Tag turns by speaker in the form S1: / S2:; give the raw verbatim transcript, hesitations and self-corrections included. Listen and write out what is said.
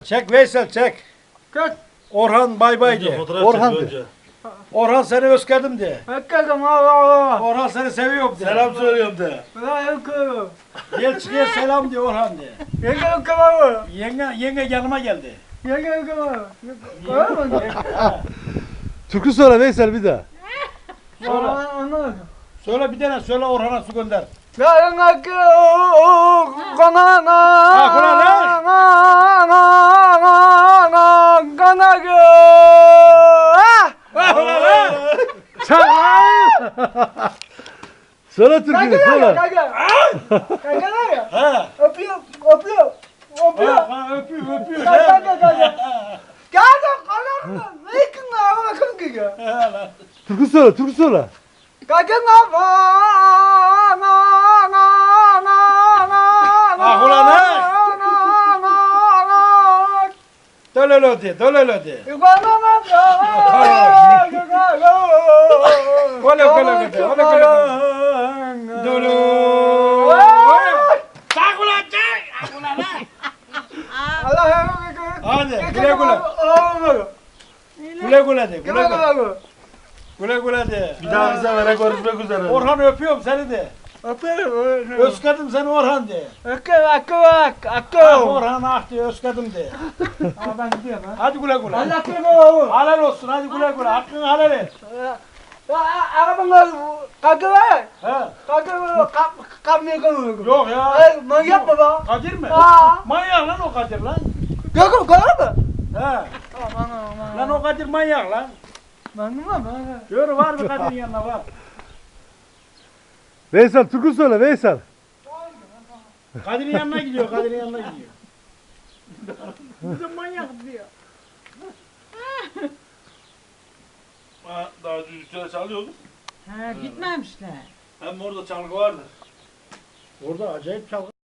S1: Çek Veysel çek.
S2: Çek.
S1: Orhan bay bay de.
S3: Orhan de.
S1: Orhan seni özledim de.
S2: Hakikaten Allah Allah.
S1: Orhan seni seviyorum de.
S3: Selam söylüyorum de.
S2: Ben yakıyorum.
S1: Gel çıkıyor selam de Orhan de.
S2: Yenge yakıyorum.
S1: Yenge, yenge yanıma geldi.
S2: Yenge yakıyorum. Öyle mi?
S3: Türkü söyle Veysel bir daha.
S1: Söyle.
S2: Anladım.
S1: Söyle bir tane söyle Orhan'a su gönder.
S2: Yarın akıyor kanana.
S1: Ha, kanana.
S2: Kanana. Kanana.
S3: Çak lan! Söyle türkünü söyle.
S2: Kanka. Kanka ne ya?
S1: Ha.
S2: Öpüyor. Öpüyor. Öpüyor.
S1: Ha, ha öpüyor öpüyor.
S2: Kanka kanka kanka. Kanka kanka. Ne yakın lan? Kanka kanka.
S1: Ha, lan.
S3: Türkü söyle, türkü söyle.
S2: Kanka ne var? Na na na na.
S1: Ah, ulan ha. Dölölö de, dölölö de. Öyle öyle de, öyle öyle de. Dölö. Çak ulan çak. Ah, ulan ha. Hadi güle güle. Güle güle de, güle güle. Güle güle de.
S3: Bir daha bize vere görüşmek üzere.
S1: Orhan öpüyorum seni de. Özledim seni Orhan de. Ah Orhan ah de özledim de.
S2: Ben gidiyorum ha.
S1: Hadi güle güle.
S2: Allah korusun.
S1: Halal olsun hadi güle güle. Hakkını helal et.
S2: Arabanın kanka var.
S1: He.
S2: Kanka kap kapmıyor kanka.
S1: Yok ya.
S2: Ay manyak mı lan?
S1: Kadir mi?
S2: Aa.
S1: Manyak lan o Kadir lan.
S2: Kanka kanka mı?
S1: He.
S2: Aman aman.
S1: Lan o Kadir manyak lan.
S2: Ben mi lan?
S1: Yürü var mı Kadir'in yanına var.
S3: Veysel türkü söyle Veysel.
S1: Kadir'in yanına gidiyor, Kadir'in yanına gidiyor. Bizim manyak diyor.
S3: Daha düzgün çalıyorduk.
S4: Ha, gitmemişler.
S3: Hem orada çalgı vardır.
S1: Orada acayip çalgı.